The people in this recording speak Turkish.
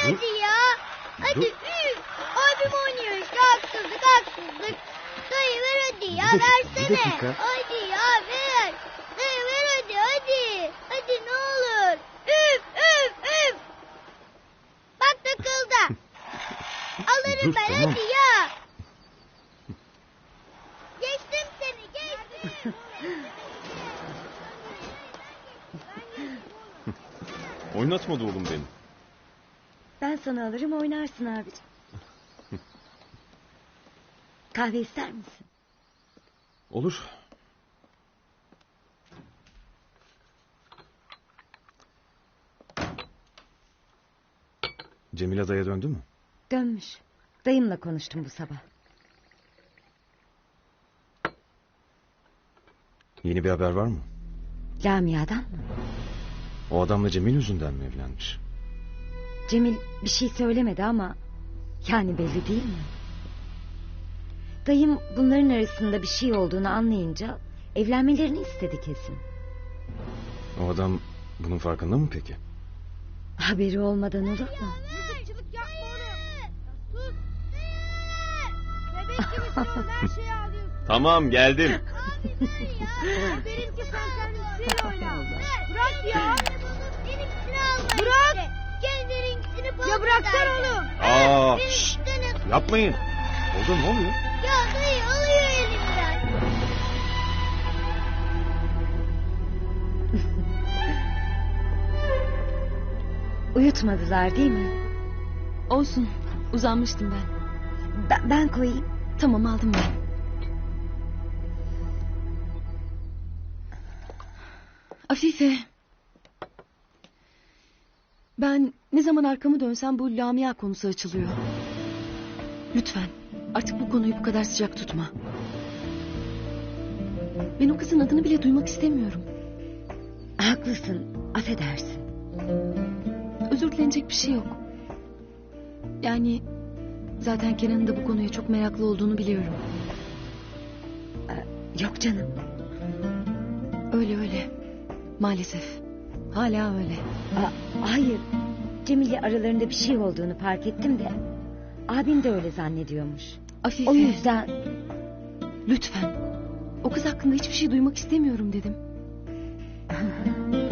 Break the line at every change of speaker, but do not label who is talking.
hadi ya. Hadi üf. Abim oynuyor işte haksızlık. Dayı ver hadi ya, versene.
Bir dakika.
Hadi ya ver. Dayı ver hadi. Hadi ne olur. Üf. Bak takıldı. Alırım
Dur,
ben
tamam.
hadi ya. Geçtim seni geçtim.
Oynatmadı oğlum beni.
Ben sana alırım oynarsın abicim. Kahve ister misin?
Olur. Cemile daya döndü mü?
Dönmüş. Dayımla konuştum bu sabah.
Yeni bir haber var mı?
Lamia'dan mı?
O adamla Cemil yüzünden mi evlenmiş?
Cemil bir şey söylemedi ama... Yani belli değil mi? Dayım bunların arasında bir şey olduğunu anlayınca... Evlenmelerini istedi kesin.
O adam bunun farkında mı peki?
Haberi olmadan olur mu?
Mızıkçılık yapma oğlum. Sus. Bebek gibisin oğlum, her şeyi alıyorsun.
Tamam, geldim.
Derim ki sen kendin oyna. Bırak ya. Benimkisini alma. Bırak. Kendininkisini bana. Ya bıraksana oğlum.
Aa, şşt, yapmayın. Oldu, ne oluyor?
Ya dayı alıyor elimden.
Uyutmadılar değil mi?
Olsun. Uzanmıştım ben.
Ben koyayım.
Tamam, aldım ben. Afife. Ben ne zaman arkamı dönsem bu Lamia konusu açılıyor. Lütfen artık bu konuyu bu kadar sıcak tutma. Ben o kızın adını bile duymak istemiyorum.
Haklısın. Affedersin.
Özür dilenecek bir şey yok. Yani zaten Kenan'ın da bu konuya çok meraklı olduğunu biliyorum.
Yok canım.
Öyle. Maalesef. Hala öyle.
Hayır. Cemil'le aralarında bir şey olduğunu fark ettim de... Abim de öyle zannediyormuş.
Afife.
O yüzden...
Lütfen. O kız hakkında hiçbir şey duymak istemiyorum dedim.